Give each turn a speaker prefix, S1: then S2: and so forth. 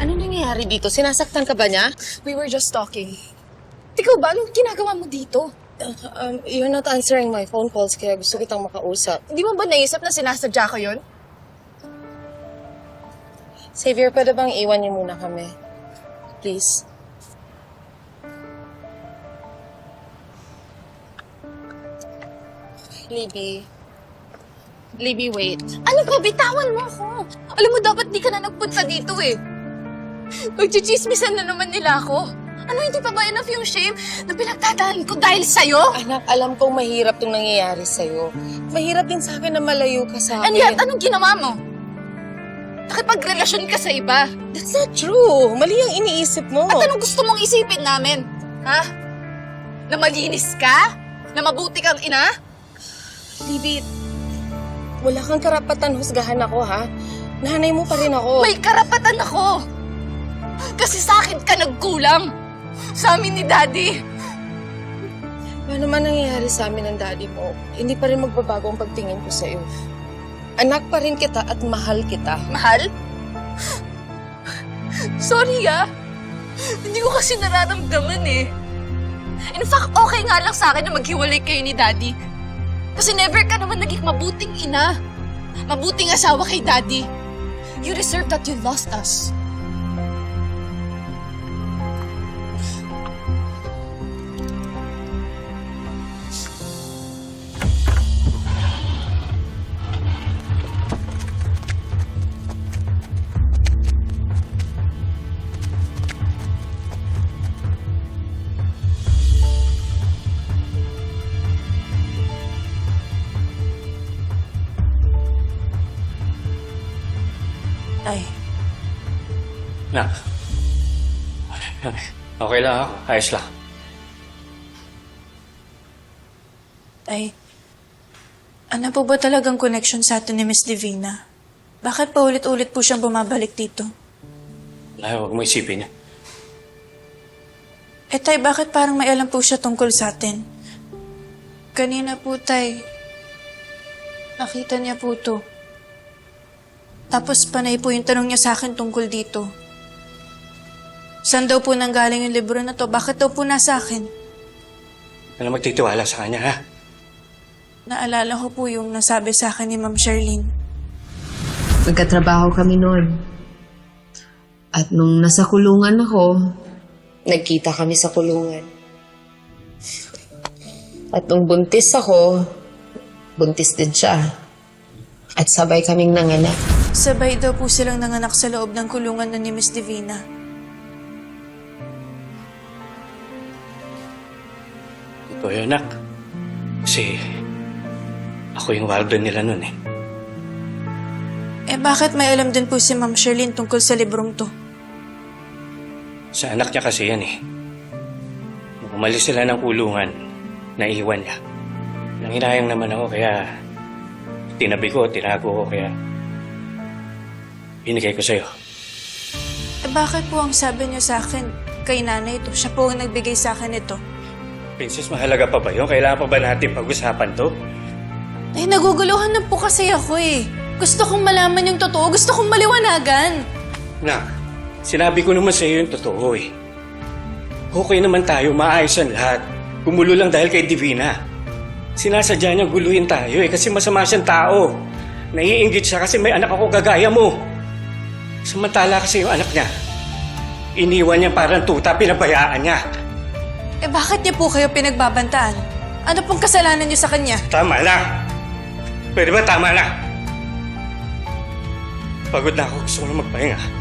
S1: Ano nangyayari dito? Sinasaktan ka ba niya?
S2: We were just talking. Ikaw ba? Anong ginagawa mo dito?
S1: You're not answering my phone calls kaya gusto kitang makausap.
S2: Hindi mo ba naisip na sinasadya ko yun?
S1: Xavier, pwede bang iwan niyo muna kami? Please. Libby, wait.
S2: Ano ba? Bitawan mo ako. Alam mo, dapat di ka na nagpunta dito eh. Magchichismisan na naman nila ako. Ano, hindi pa ba enough yung shame na pinagdadaanan ko dahil sa'yo?
S1: Anak, alam kong mahirap itong nangyayari sa'yo. Mahirap din sa akin na malayo ka sa
S2: And
S1: akin.
S2: yet, anong ginawa mo? Nakipagrelasyon ka sa iba.
S1: That's not true. Mali ang iniisip mo.
S2: At anong gusto mong isipin namin? Ha? Na malinis ka? Na mabuti kang ina?
S1: Libby, wala kang karapatan husgahan ako, ha? Nanay mo pa rin ako.
S2: May karapatan ako! Kasi sa akin ka nagkulang. Sa amin ni Daddy.
S1: Ano man nangyayari sa amin ng daddy mo, hindi pa rin magbabago ang pagtingin ko sa'yo. Anak pa rin kita at mahal kita.
S2: Mahal? Sorry hindi ko kasi nararamdaman eh. In fact, okay nga lang sa akin na maghiwalay kayo ni Daddy. Kasi never ka naman naging mabuting ina. Mabuting asawa kay Daddy. You deserve that you lost us.
S1: Ay,
S3: Nak. Okay lang ako. Ayos lang.
S4: Ay, ano po ba talagang connection sa atin ni Miss Divina? Bakit paulit-ulit po siyang bumabalik dito?
S3: Ay, huwag mo isipin yan.
S4: Eh tay, bakit parang may alam po siya tungkol sa atin? Kanina po tay, nakita niya po to. Tapos panay po yung tanong niya sa akin tungkol dito. Saan daw po nanggaling yung libro na to? Bakit daw po nasa akin?
S3: Ano magtitiwala sa kanya, ha?
S4: Naalala ko po yung nasabi sa akin ni Ma'am Charlene.
S5: Nagkatrabaho kami noon. At nung nasa kulungan ako,
S1: nagkita kami sa kulungan. At nung buntis ako, buntis din siya. At sabay kaming nanganak.
S4: Sabay daw po silang nanganak sa loob ng kulungan na ni Miss Divina.
S3: Ito yun, anak. Kasi ako yung warden nila nun eh.
S4: Eh bakit may alam din po si Ma'am Charlene tungkol sa librong to?
S3: Sa anak niya kasi yan eh. Nung umalis sila ng kulungan, naiwan niya. Nanginayang naman ako kaya tinabi ko, tinago ko kaya binigay ko sa'yo.
S4: Eh bakit po ang sabi niyo sa akin kay nanay ito? Siya po ang nagbigay sa akin ito.
S3: Princess, mahalaga pa ba yun? Kailangan pa ba natin pag-usapan to?
S4: Eh naguguluhan na po kasi ako eh. Gusto kong malaman yung totoo. Gusto kong maliwanagan.
S3: Nak, sinabi ko naman sa'yo yung totoo eh. Okay naman tayo, maayos ang lahat. Gumulo lang dahil kay Divina. Sinasadya niya guluhin tayo eh kasi masama siyang tao. Naiinggit siya kasi may anak ako gagaya mo. Samantala kasi yung anak niya, iniwan niya parang tuta, pinabayaan niya.
S4: Eh bakit niya po kayo pinagbabantaan? Ano pong kasalanan niyo sa kanya?
S3: Tama na! Pwede ba tama na? Pagod na ako, gusto ko na magpahinga.